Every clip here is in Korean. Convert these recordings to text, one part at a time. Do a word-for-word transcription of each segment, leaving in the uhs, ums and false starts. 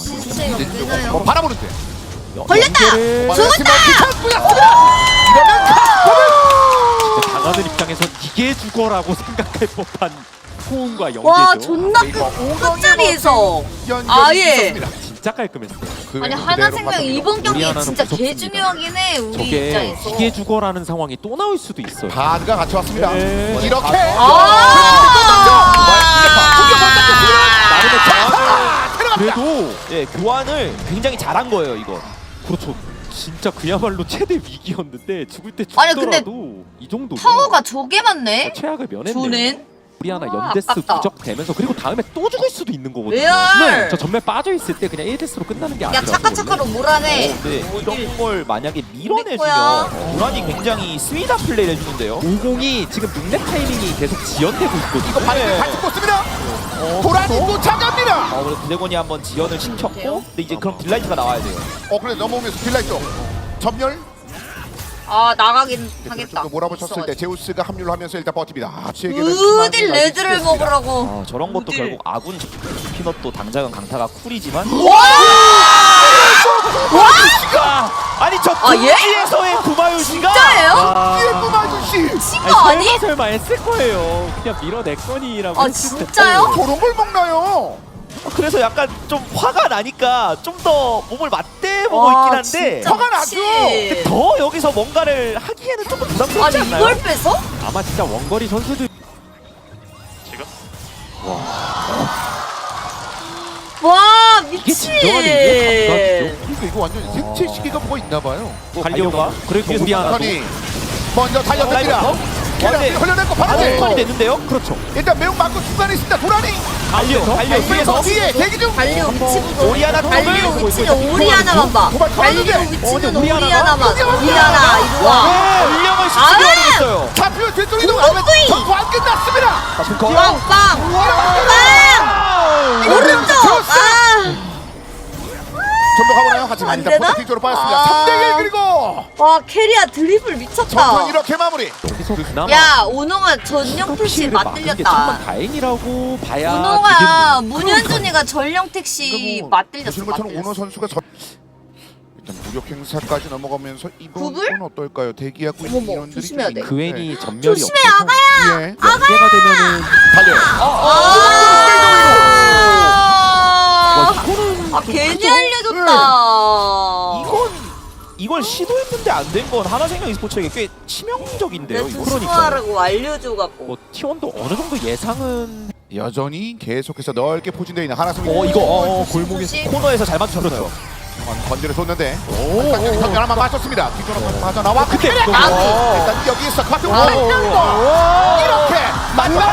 시스템이 없나요? 뭐 바라보는데. 걸렸다! 죽었다! 당하는 입장에서 이게 죽어라고 생각할 법한 소음과 연계죠. 와 존나 그 끝자리에서 아예 진짜 깔끔했어요. 그 아니 하나생명 이번 경기 하나는 진짜 무섭습니다. 개 중요하긴 해 우리 저게 입장에서. 이게 죽어라는 상황이 또 나올 수도 있어요. 바드가 같이 왔습니다. 네. 이렇게 나름의 그래도 예, 교환을 굉장히 잘한 거예요, 이거. 그렇죠. 진짜 그야말로 최대 위기였는데 죽을 때 아니, 근데 죽더라도 이 정도 파워가 저게 많네? 최악을 면했네요. 조는? 우리 하나 와, 연데스 아깝다. 누적되면서 그리고 다음에 또 죽을 수도 있는 거거든요. 레알! 저 전멸 빠져 있을 때 그냥 일 데스로 끝나는 게 야 아니라 차카차카로 몰아내. 네, 이런 걸 만약에 밀어내주면 거야. 도란이 굉장히 스윗한 플레이를 해주는데요. 오공이 지금 룩렉 타이밍이 계속 지연되고 있거든요. 이거 바드 같이 꽂습니다. 도란이 쫓아갑니다. 어, 그래서 드래곤이 한번 지연을 시켰고, 근데 이제 그럼 딜라이트가 나와야 돼요. 어 그래 넘어오면서 딜라이트 전멸. 아 나가긴 하겠다. 좀 몰아붙였을 때 제우스가 합류를 하면서 일단 버팁니다. 아, 어딜 레드를 먹으라고. 아, 저런 것도 어딜. 결국 아군 피넛도 당장은 강타가 쿨이지만 아니 저 아, 얘? 구지에서의 구마유시가 진짜예요? 예쁜 아저씨. 친 거 아니? 설마 설마 했을 거예요. 그냥 밀어냈거니라고. 아 했을 텐데. 진짜요? 저런 걸 먹나요? 그래서 약간 좀 화가 나니까 좀 더 몸을 맞대보고 와, 있긴 한데 진짜 화가 나죠? 미치. 더 여기서 뭔가를 하기에는 조금 부담스럽지 아니 않나요? 이걸 뺏어? 아마 진짜 원거리 선수들 와 이게 미치. 진정한 의미의 감각이죠. 그러니까 이거 완전 생체 시기가 뭐가 있나 봐요. 갈려가 그리고 우리 하나도 선이 먼저 달려듭니다. 라이브부터? 계란 네. 흘려냈고 하나 바로 턴이 됐는데요? 그렇죠. 일단 매우 맞고 중간에 있습니다. 도란이 갈려 갈려 위에서 위에서 뒤에 대기 중. 달려 미치고 오리아나 달려 더블! 미치는 오리 하나만 봐. 도발 달려 터졌는데. 미치는 어, 오리 오리 하나만. 하나가? 오리 하나 이리 와. 운명을 아! 시키게 하겠어요. 잡히면 뒤쪽 이동. 오구이! 전투 안 끝났습니다. 빵빵 빵. 오른쪽. 아. 전부 가보나요? 하지만 안 일단 되나? 포트 뒤쪽으로 빠졌습니다. 아. 삼 대 일 그리고 와 캐리아 드리블 미쳤다. 전투는 이렇게 마무리. 여기서 그나마 야 오농아 전령 택시 피해를 막은 게 맞들렸다. 정말 다행이라고 봐야 오농아 되겠네요. 문현준이가 전령 택시 맞들렸어. 보시는 것처럼 오너 맞들렸어. 선수가 저... 일단 무력 행사까지 넘어가면서 이번 구불? 건 어떨까요? 대기하고 있는 어머머, 인원들이 조심해야 좀 돼. 있는데. 그 웬이 전멸이 조심해, 없어서 아가야! 예. 연계가 되면은 달려요. 아, 이거는 아 괜히 알려줬다. 이건 이걸 시도했는데 안 된 건 하나생명 e스포츠에게 꽤 치명적인데요. 내 이거. 조심하라고 알려줘갖고. 뭐 티원도 어느 정도 예상은 여전히 계속해서 넓게 포진되어 있는 하나승. 어 이거 어, 어, 조심, 골목에 조심. 코너에서 잘 맞췄어요. 건드려 줬는데. 오. 선멸 한번 맞췄습니다. 뒤쪽으로 빠져 나와. 그때 일단 어. 여기에서 카트 와. 이렇게 만나.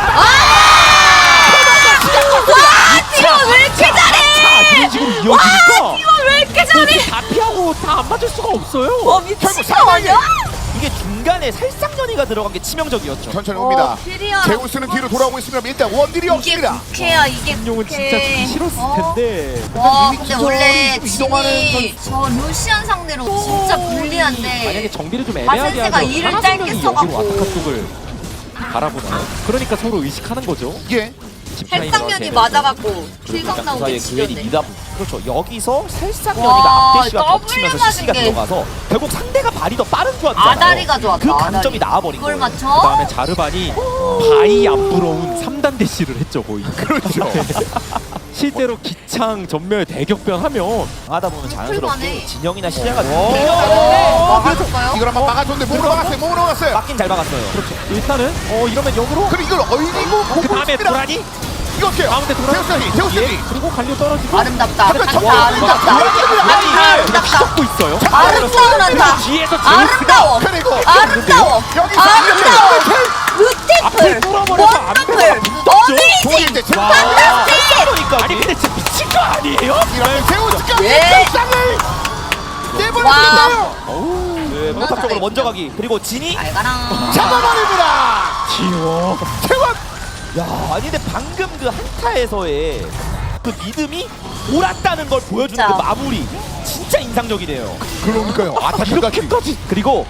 티원 왜 이렇게 잘해? 이게 지금 이어지니까 티원 왜 이렇게 잘해? 다 피하고 다 안 맞을 수가 없어요. 어 미친 거 아니야? 이게 중간에 살상전이가 들어간 게 치명적이었죠. 천천히 옵니다. 어, 캐리아. 제우스는 뒤로 돌아오고 있으면 일단 원딜이 이게 없습니다. 국회야 이게 용은 국회. 진짜 주기 싫었을 어? 텐데. 와 이미 근데 지금 원래 좀 이동하는 진이 저 루시안 상대로 진짜 불리한데 만약에 정비를 좀 애매하게 마센세가 하면 이를 하나생명이 짧게 여기로 써갖고. 와타카 쪽을 바라보나요? 그러니까 서로 의식하는 거죠. 예. 살상면이 맞아갖고 킬각 그 나오게 사이에 그웬이 지렸네. 미다 그렇죠. 여기서 와, 살상전이가 앞대시와 더블 겹치면서 맞은 시시가 게. 들어가서 결국 상대가 발이 더 빠른 줄 알았잖아요. 아다리가 좋았다. 그 아다리. 강점이 나와버린 그걸 거예요. 맞춰? 그 다음에 자르반이 바이 안 부러운 삼 단 대시를 했죠 거의. 그렇죠. 실제로 기창 전멸 대격변하면 하다 보면 풀만해. 자연스럽게 진영이나 시야가 막아줄까요? 이걸 한번 막아줬는데 몸으로 막았어요. 몸으로 막았어요. 막긴 잘 막았어요. 그렇죠. 일단은 어 이러면 역으로 그리고 이걸 얼리고 그 다음에 도란이 이거 어때요? 가운데 도란이 제우스이 제우스이. 그리고 갈려 떨어지고 아름답다. 하지만 저- 아름답다. 아름답다. 아름답다. 아름답다. 고 있어요. 아름다운 한다. 뒤에서 아름다워. 그리고 아름다워. 여기서 아름다워. 앞을 루티플. 뚫어버려서 안 원더플. 어메이징. 동일대 제우스. 판타스틱. 아니 근데 진짜 미친 거 아니에요? 이렇게 제우스까지 예. 결상을 와. 내버려두나요? 네, 포탑적으로 먼저 가기. 그리고 진이 잘 가라. 잡아버립니다. 지워. 태원. 야, 아니 근데 방금 그 한타에서의 그 믿음이 옳았다는 걸 보여주는 진짜. 그 마무리 진짜 인상적이네요. 그러니까요. 아타까지. 이렇게까지 그리고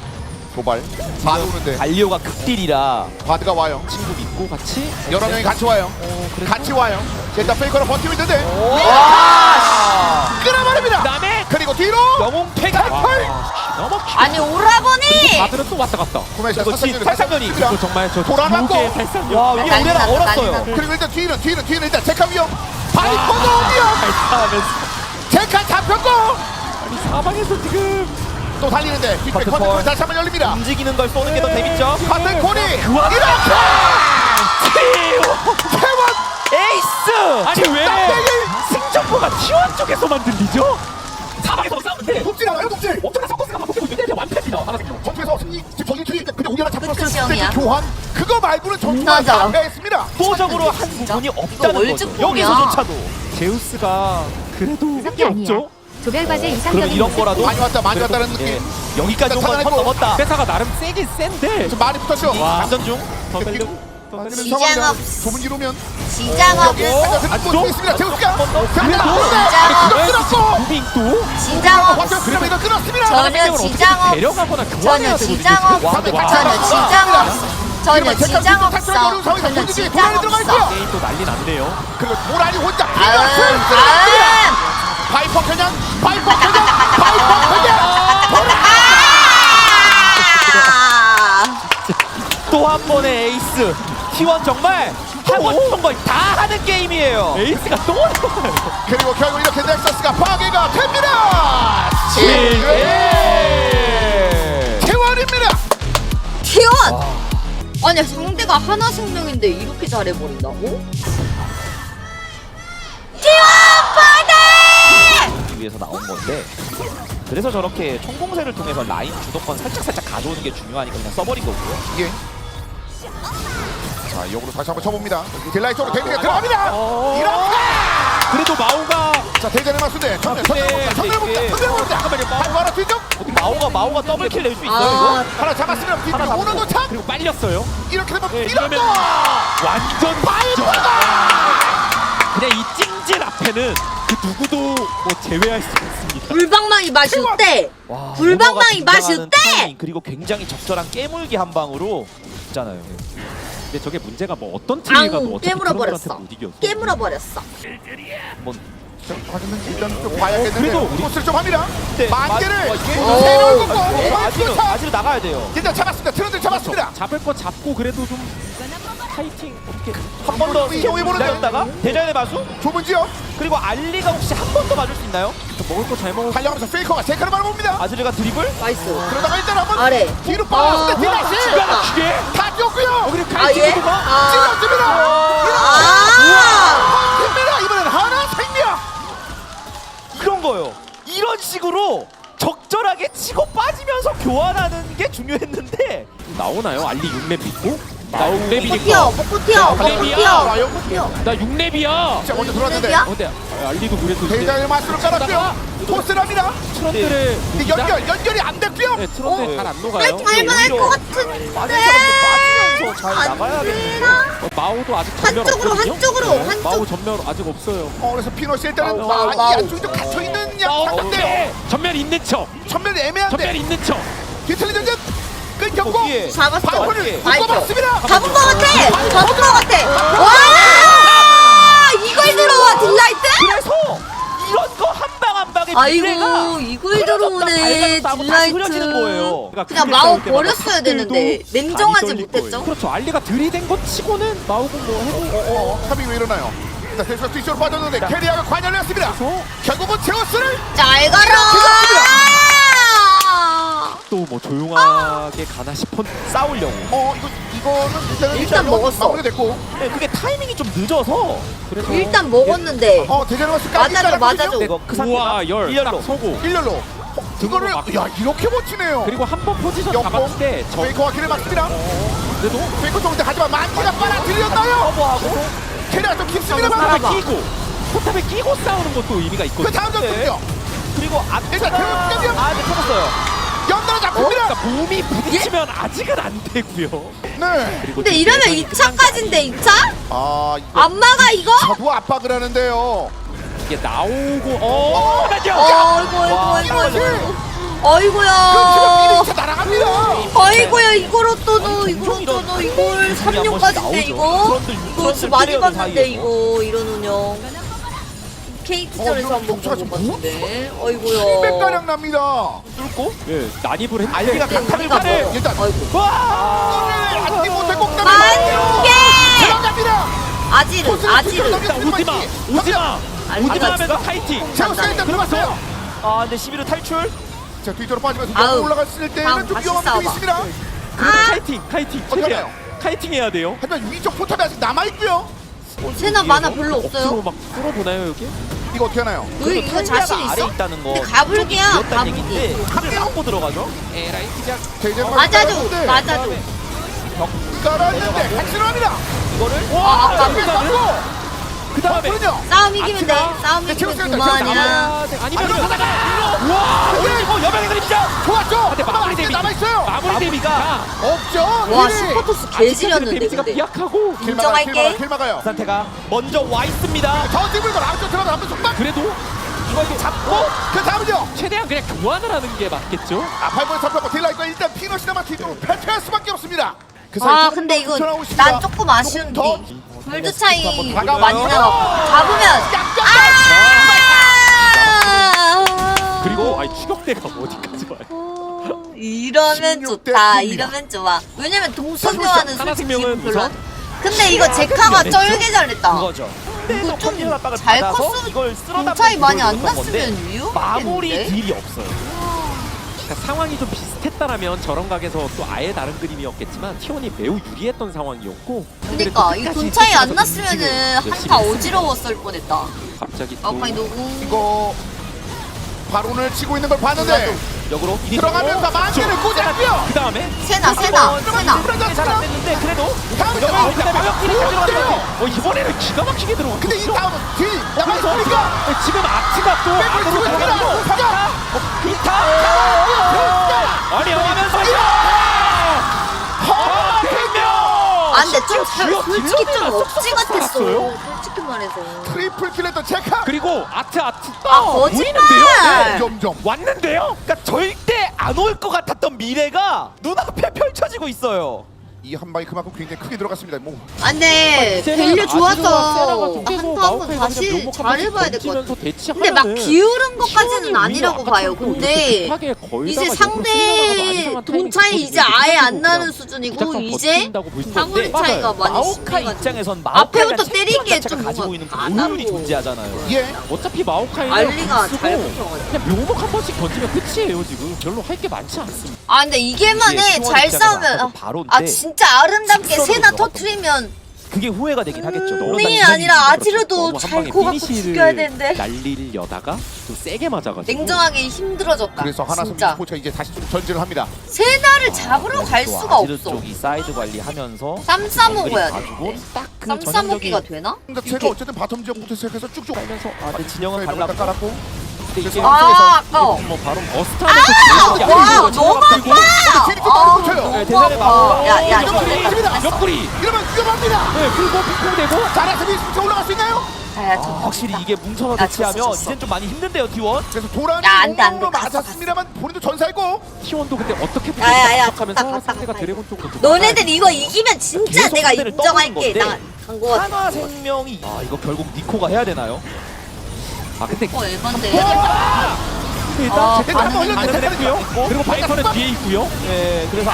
도발. 바드 오는데 갈리오가 극딜이라 바드가 와요. 친구 믿고 같이 여러 명이 같이 와요. 어, 그래서 같이 와요. 일단 페이커로 버티고 있는데 와! 끌어버립니다. 그다음에 그리고 뒤로 영웅패가 너무 아니 오라버니. 바드는 또 왔다 갔다. 구매자 이거 지- 살상면이 이거 정말 저 돌아갔고. 두 개의 살상력. 와 위에 난리 오레라 났다, 얼었어요. 난리 그리고 일단 뒤는 뒤는 뒤는 일단 제카 위험. 바이퍼도 위험. 발사하면서 제카 잡혔고 아니 사방에서 지금 또 달리는데 뒷백 커튼 컨트롤 콜. 다시 한번 열립니다. 움직이는 걸 쏘는 게 더 재밌죠. 커튼 콜이 그 와중에 이렇게 티원 태원 에이스. 아니 왜 승전보가 티원 쪽에서만 들리죠? 사방에서 싸우는데 돕질 않아요 돕질. 어쩌다 서커스가 바뀌고 있는데 완패입니다. 전투에서 승리 지금 저기 뒤에 근데 우리가 잡혔을 때 끝이형이야. 교환 그거 말고는 전투가 맞아. 반대했습니다. 압도적으로 한 부분이 없다는 거죠. 월주품이야. 여기서조차도. 제우스가 그래도 그게 없죠. 조별과제 그럼 이상적인 이런 거라도 많이 왔다 많이 왔다는 느낌. 예. 여기까지 온 건 선 나타나고. 넘었다. 회사가 나름 세긴 센데 좀 많이 붙었죠. 감전 중. 더 달려 더 달려 지장 없. 좁은 이루면 지장 없. 여기에 들고 있습니다. 제우스가 지장 그래도 없. 끊었고 무빙 또 지장 없. 완전 그러면 이거 끊었습니다. 전혀 지장 없. 데려가거나 전혀 교환해야 되거든요. 지장 없. 와, 와. 전혀 지장 없. 전혀 지장 없어. 전혀 지장 없어. 게임 또 난리 났네요. 그리고 도란이 혼자 아음 피가 아음. 바이퍼 그냥 바이퍼 그냥 바이퍼 그냥 아. 또 한 번의 에이스. 티원 정말 하고 싶은 걸 다 하는 게임이에요. 에이스가 또 나와요. 그리고 결국 이렇게 넥서스가 파괴가 됩니다. 예. 태원입니다. 티원. 아니 상대가 하나 생명인데 이렇게 잘해버린다고? 티원 파괴! 위해서 나온 건데 그래서 저렇게 총공세를 통해서 라인 주도권 살짝 살짝 가져오는 게 중요하니까 그냥 써버린 거고요. 이게 자 역으로 다시 한번 쳐봅니다. 딜라이 쪽으로 데미지가 들어갑니다. 이렇게 그래도 마오가 자 대전에 맞수대 전멸 근데 전멸 봅니다. 이게- 전멸 봅니다. 잠깐만요, 마오. 바이퍼 하나 뒤쪽 마오가 마오가 더블킬 낼 수 있어요 아. 이거? 하나 잡았으면 하나 뒤쪽 잡고. 오너 도착 그리고 빨렸어요. 이렇게 되면 예, 이렇게 이러면 완전 바이퍼가 그냥 이 찡질 앞에는 그 누구도 뭐 제외할 수 없습니다. 불방망이 맛이 어때? 와, 불방망이 오너가 맛이 등장하는 어때? 타이밍, 그리고 굉장히 적절한 깨물기 한 방으로 있잖아요. 근데 저게 문제가 뭐 어떤 팀이 가도 앙 어차피 깨물어 그런 버렸어. 못 이겨서. 깨물어 버렸어. 한번 하지만 일단 좀 봐야겠는데 그래도 우리- 코스를 좀 합니다. 네, 만개를 마- 어, 이게- 세를 걷고 네, 아지로 아지로 나가야 돼요. 일단 잡았습니다. 트런들 잡았습니다. 잡을 거 잡고 그래도 좀 파이팅 어떻게 한 번 더 이용해 보는데. 기다렸다가 대전의 마수 좁은 지역 그리고 알리가 혹시 한 번 더 맞을 수 있나요? 먹을 거 잘 먹을 달려가면서 페이커가 제카를 바라봅니다. 아즈르가 드리블? 나이스. 그러다가 일단 한번 아래. 뒤로 아, 빠졌는데 딜라이 기가 막히게 다 뛰었고요. 그리고 아 갈치 예? 누가 아. 찔렀습니다. 아. 팀입니다. 이번엔 하나 생명. 그런 거요. 이런 식으로 적절하게 치고 빠지면서 교환하는 게 중요했는데 나오나요? 알리 육 렙 믿고? 나 육 먹고 렙이니까 뛰어. 먹고 뛰어. 먹고 갈래비야. 뛰어. 먹고 뛰어. 나 육 렙이야. 자 먼저 들어왔는데 렙이야? 어, 근데 아, 알리도 그래도 이제 대장의 마스로 깔았고요. 토스를 합니다. 트런들의 근데 연결 연결이 안 됐고요. 네, 트런들 어? 잘 안 날 녹아요. 갈만할 것 빠진 같은데. 사람들 빠지면서 잘 나가야겠는데. 되나? 어, 마오도 아직 전멸 한쪽으로, 없거든요. 한쪽으로, 네, 한쪽. 마오 전멸 아직 없어요. 어, 그래서 피노시 일단은 와우, 많이 와우. 안쪽에 좀 갇혀 있는 마오 양상인데 전멸 있는 척. 전면이 전멸 애매한데 있는 척. 뒤틀리 전전 끊겼고 거기에 잡았어. 바이퍼를 바이퍼. 묶어봤습니다. 잡은 거 같아. 잡은 거 같아. 와! 이걸 들어와 딜라이트? 그래서 이런 거 한 방 한 방에 미래가 아이고 이걸 들어오네 다시 딜라이트. 흐려지는 거예요. 그냥 마오 버렸어야 되는데 냉정하지 못했죠. 그렇죠. 알리가 들이댄 것 치고는 마오군 뭐 해도 어, 어, 합이 왜 일어나요? 일단 대수가 뒤쪽으로 빠졌는데 캐리아가 관여를 했습니다. 결국은 제우스를 잘 가라. 또 뭐 조용하게 가나 싶었. 싸우려고. 어 이거 이거는 일단은 일단 먹었어. 마무리가 됐고 네, 그게 타이밍이 좀 늦어서 그래서 일단 먹었는데 어 대전에서 맞아줘 맞아줘. 이거 그 우와 상태가 열 일렬로. 딱 서고 일렬로 어, 이거를 막히고. 야 이렇게 멋지네요. 그리고 한 번 포지션 역공. 잡았을 때저 페이커와 길을 막습니다. 그래도 페이커 좋은데 하지만 만기가 빨아들였나요? 커버하고 캐리아 좀 깊습니다만 포탑에 봐봐. 끼고 포탑에 끼고 싸우는 것도 의미가 그 있거든요. 다음 전투는요. 그리고 일단 앞에가 대전 아, 네, 터졌어요. 연달아 잡힙니다. 그러니까 몸이 부딪히면 아직은 안 되고요. 네. 그리고 근데 이러면 이 차까지인데 이 차? 아 이거 안 막아 이거? 저도 압박을 하는데요. 이게 나오고 어, 어, 맞죠? 어이구 어이구 와, 어이구 어이구. 아이고야. 차 날아갑니다. 아이고야 이걸 어떠노 아니, 이걸 종종 이런 어떠노 이걸 삼 한 년까지인데 번씩 이거 나오죠. 그런들 이거 그런들 많이 플레이어들 봤는데 사이에서. 이거 이런 운영 케이트전에서 어, 한번 경차가 본것 지금 같은데 칠백 가량 아이고야 납니다. 뚫고 예, 난입을 했는데 알비가 근데 강타를 우리가 가네. 뭐 일단 아이고 와! 안디 못해 꼭 만개 들어갑니다. 아지르 아지르 일단 오지마 오지마 알비가 오지마 하면서 파이팅. 제우스가 일단 들어갔어요. 아 근데 십일 호 탈출. 자 뒤쪽으로 빠지면서 아우. 너무 올라갔을 때는 다음 좀 다시 위험한 점이 싸워봐. 있습니다. 그래도 아! 카이팅 카이팅 어떻게 최대한 하나요? 카이팅 해야 돼요. 하지만 위쪽 포탑이 아직 남아있고요. 세나 만화 별로 억지로 없어요 막 뚫어보나요 여기? 이거 어떻게 하나요? 너 이거 자신 아래 있어? 있다는 거. 근데 가불기야 이었다는 가불기 얘기인데 칼을 막고 들어가죠. 에라이 시작. 자 이제 맞아줘 맞아줘 깔았는데 핵실합니다. 이거를 아 아까 그 다음에 그렇군요. 싸움 이기면 돼 싸움 네, 이기면 제우스가 그만이야 아, 네, 아니면 아니면 가다가 와 올리고 여명의 그림자. 좋았죠. 근데 마무리 데뷔 남아있어요. 마무리 데뷔가 없죠. 와 딜이. 슈퍼토스 개지렸는데 데뷔가 근데 비약하고 길 막아요, 길 인정할게. 막아요, 길 막아요. 상태가 먼저 와 있습니다. 저 팀을 아웃쪽 들어가 한번 속박. 그래도 이거 이렇게 잡고 그 다음은요. 최대한 그냥 교환을 하는 게 맞겠죠? 아 팔번에 잡혔고 딜라이거 일단 피너시 남아 뒤쪽으로 패퇴할 수밖에 없습니다. 그 아 조금 근데 더 이거 붙여나오고 있습니다. 난 조금 아쉬운 더 게 골드 차이 다가와요. 많이 나고 잡으면 아 그리고 아니 추격대가 어디까지 와요? 이러면 십육 대 좋다 입니다. 이러면 좋아 왜냐면 동수교환은 하나 솔직히 생명은 별로 우선 근데 이거 제카가 안 했죠? 쩔게 잘했다 그거죠. 이거 좀 컨디션 압박을 잘 받아서 컸으면 이걸 쓸어 돈 차이 담는 많이 안 기술을 줬던 났으면 건데 마무리 위험했는데 딜이 없어요. 그러니까 상황이 좀 비슷했다라면 저런 각에서 또 아예 다른 그림이었겠지만 티원이 매우 유리했던 상황이었고 그러니까 이 돈 차이 안 났으면은 한타 열심히 어지러웠을 뻔했다 갑자기 또 아까 누구 이거 바론을 치고 있는 걸 봤는데 역으로 들어가면서 만개를 꽂았고요. 그 다음에 세나 세나 세나 잘안 됐는데 그래도 다음에 아, 어, 근데 마력끼리 가져갔는데 어 이번에는 기가 막히게 들어갔어. 근데 이 다음은 딜 남아있으니까 지금 아트가 또 안으로 치고 들어가고 있습니다. 비타 아니 하면서 아 근데 좀 살- 주요 솔직히 좀 딜러들만 억지 쏙쏙 같았어 살았어요. 솔직히 말해서 트리플 킬했던 체카 그리고 아트 아트 아, 또 거짓말! 보이는데요? 네. 점점 왔는데요? 그러니까 절대 안 올 것 같았던 미래가 눈앞에 펼쳐지고 있어요. 이 한 방이 그만큼 굉장히 크게 들어갔습니다. 뭐 아 근데 이제는 밸류 아지르와 세라가 좋았어 좀 깨고 한타 한번 마오카이가 다시 그냥 묘목 한 번씩 잘해봐야 될 것 같아 던지면서 대치하면은 근데 막 기울은 것까지는 티원이 아니라고 오히려 봐요 아까처럼 근데 급하게 걸다가 이제 역으로 상대 쓸려나가도 안 이상한 돈 타이밍 차이 이제 있거든요. 아예 안 그냥 나는 수준이고 무작정 이제 버틴다고 보시면 사거리 되는데 차이가 많이 마오카이 심해가지고 입장에선 앞에부터 마오카이가 때리기에 자체가 좀 가지고 뭔가 있는 그 까다로워. 오율이 존재하잖아요. 예. 어차피 마오카이는 알리가 쓰고 잘 붙여가지고 그냥 묘목 한 번씩 던지면 끝이에요 지금. 별로 할 게 많지 않습니다. 아 근데 이게만 이게 해 티원 잘 입장에서 싸우면 아까도 아, 바로인데 아 진짜 아름답게 직선으로 세나 들어갔던 터트리면 그게 후회가 되긴 하겠죠. 물론 이 난 아니라 이상이 아지르도 너무 한 잘 방에 고갖고 피니시를 죽여야 되는데 날리려다가 또 세게 맞아가지고 냉정하게 힘들어졌다 그래서 하나섬 진짜 스포츠가 이제 다시 좀 전진을 합니다. 세나를 잡으러 갈 또 수가 아지르 없어 쪽이 사이드 관리하면서 쌈 싸먹어야 봐주고 돼 딱그 쌈 전형적인 싸먹기가 되나? 그러니까 제가 어쨌든 바텀 지역부터 시작해서 쭉쭉 하면서 아, 근데 진영은 사이드로 달랐고 깔았고 근데 이게 아 아까워 뭐 바로 어스타에서 제일 와 아니고 너무 그리고 아파 딜이 좀 많이 붙여요. 너무 대전에 아파 막고. 야야 너 옆구리 됐다 옆구리 이러면 위험합니다. 네 그리고 핑퐁 되고 잘해서 미스부터 올라갈 수 있나요? 야야 아, 확실히 이게 뭉쳐서 야, 대치하면 졌어, 졌어. 이젠 좀 많이 힘든데요 T1. 그래서 도란이 야, 안 돼, 안 돼. 공으로 갔어, 맞았습니다만 본인도 전사했고 티원도 근데 어떻게 야, 야, 야, 하면서 갔다, 갔다, 상대가 갔다. 드래곤 쪽으로 너네들 이거 이기면 진짜 계속 내가 상대를 인정할게 떠보는 건데. 나간거 같아 한화 생명이 아 이거 결국 니코가 해야 되나요? 아 근데 어 에반데 일단 아, 제대로 반응, 한번 반응, 했고요. 반응. 그리고 바이터는 뒤에 있고요. 네 그래서 아!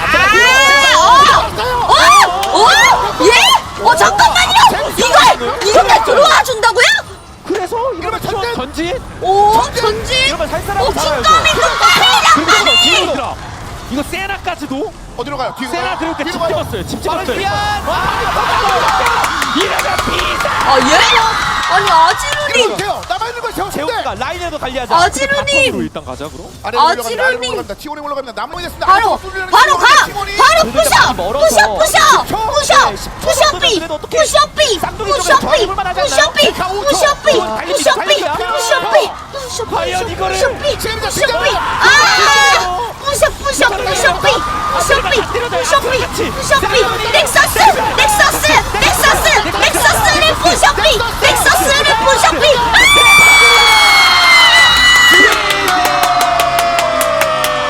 앞에가 어? 어? 예? 어 잠깐만요 이걸 이렇게 들어와 준다고요? 그래서 이러면 이러면 전진! 전진 오 전진 이러면 살 오 사람은 살아야죠. 킹덤이 그리고 킹덤이 뒤로 들어. 이거 세나까지도 어디로 가요? 뒤로 세나 가요? 들어올 때집 뒤로 가요? 찍었어요. 집 찍었어요. 미안. 이러면 비사. 아 예? 아니 이러면 아지루님 돼요. 남아있는 걸 세웠는데 재호가 라인에도 관리하자. 바텀으로 아지루님 일단 가자 그럼. 아래로 올라갑니다. 아지르님. 아래로 올라갑니다. 티원이 올라갑니다. 남문이 됐습니다. 바로 아래로 뚫리는 바로 가 티원이. 바로 부셔 멀어서. 부셔 부셔 부셔 네, 십 초 부셔 정도면 비 그래도 어떡해. 부셔 비 쌍둥이 부셔 쪽에서 비 저항해볼 만하지 부셔 않나요? 비 자, 오 초. 부셔 비 어, 달립니다, 부셔 비 달립니다. 부셔 비 부셔 비 과연 이거를 부셔 비 지금이다, 부셔 비 지금이다. 아 부셔 부셔 부셔 비 부셔 비 부셔 비 부셔 비 넥서스 넥서스 넥서스 넥서스를 부셔 비 넥서스를 부셔 비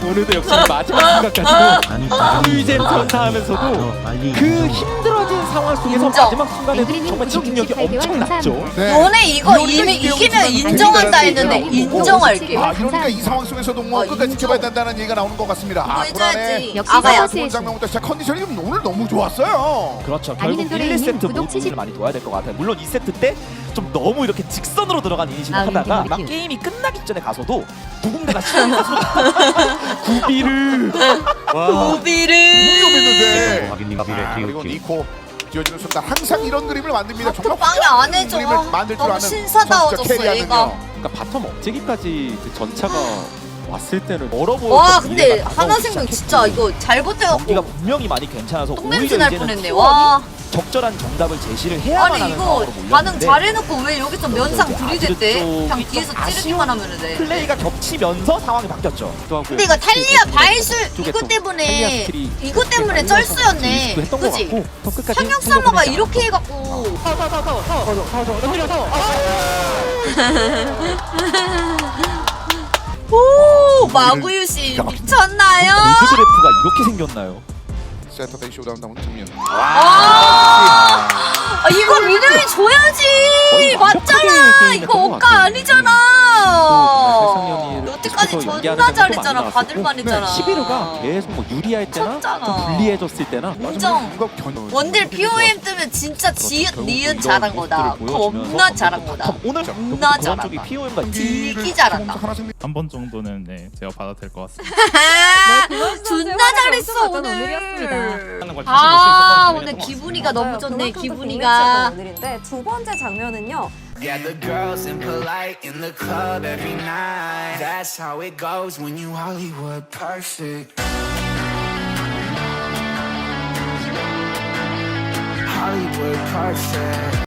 오늘도 역시 마지막 순간까지도 꿀잼 선사하면서도 그 힘들어진 상황 속에서 인정. 마지막 순간에 앵그리님 정말 구독 집중력이 육십팔 개월 엄청났죠. 감사합니다. 네. 너네 이거 이미 이기면 인정한다 했는데 인정할게. 아, 이러니까 이 상황 속에서도 뭐 어, 끝까지 인정. 지켜봐야 된다는 얘기가 나오는 것 같습니다. 아, 이거 해줘야지. 불안해. 역시 아가야. 서버스의 좋은 장면부터 시작 컨디션이 오늘 너무 좋았어요. 그렇죠. 아니는 결국 일, 이 세트 구독 칠십 모두를 많이 도와야 될 것 같아요. 물론 이 세트 때 좀 너무 이렇게 직선으로 들어간 이니시를 아, 하다가 우리 막 팀. 게임이 끝나기 전에 가서도 누군가가 시간을 구비를 우비를. 위험했는데. 확인님 아, 비례 그리고 기울기 니코 지어지는 순간 항상 이런 그림을 만듭니다. 정말 빵이 안 해줘. 그림을 만들 줄 너무 아는 신사다워졌어, 선수죠, 캐리하는요. 얘가. 그러니까 바텀 업체기까지 그 전차가 왔을 때는 멀어 보여. 와 근데 하나생명 진짜 이거 잘 경기가 버텨갖고 분명히 많이 괜찮아서 똥냄새 오히려 날 이제는 뻔했네. T 원이 와. 적절한 정답을 제시를 해야만 아니 하는 이거 상황으로 반응 몰렸는데 잘해놓고 왜 여기서 면상 들이댔대? 쪽이 그냥 좀 뒤에서 아쉬운 찌르기만 하면 돼. 플레이가 겹치면서 상황이 바뀌었죠. 또 하고 근데 이거 탈리아 바이술 쪽에 이거 또 탈리아 때문에 스킬이 이거 때문에 날려서 쩔수였네. 했던 것 그지? 같고 더 끝까지 상혁 살려보내지 사마가 않았어. 이렇게 해갖고 오 마구유신 미쳤나요? 골드 그래프가 이렇게 생겼나요? 세터데이 쇼다운 나온 장면. 아, 아, 이거 미드를 줘야지. 거의 완벽하게 맞잖아. 게임을 이거 했던 것 억까 같아요. 아니잖아. 세상연이를 여태까지 계속해서 존나 연기하는 잘했잖아. 경우도 많이 받을만 했잖아. 나왔었고 시비르가 계속 뭐 유리할 때나 쳤잖아. 좀 불리해졌을 때나 인정. 뭔가 견- 원딜 피오엠 뜨면 진짜 지읒 니은 잘한 거다. 겁나 잘한 거다. 오늘 겁나 그런 잘한다. 쪽이 피오엠과 되게 잘한다. 하나씩 한 번 정도는 네 제가 받아도 될 것 같습니다. 존나 잘했어 오늘. 하는 걸 다시 볼수 아 있었던 오늘 장면이었던 것 기분이가 너무 좋네. 그만큼 또 기분이가. 빅매치였던 오늘인데 두 번째 장면은요. Yeah, the girls impolite in the club every night. That's how it goes when you Hollywood perfect. Hollywood perfect.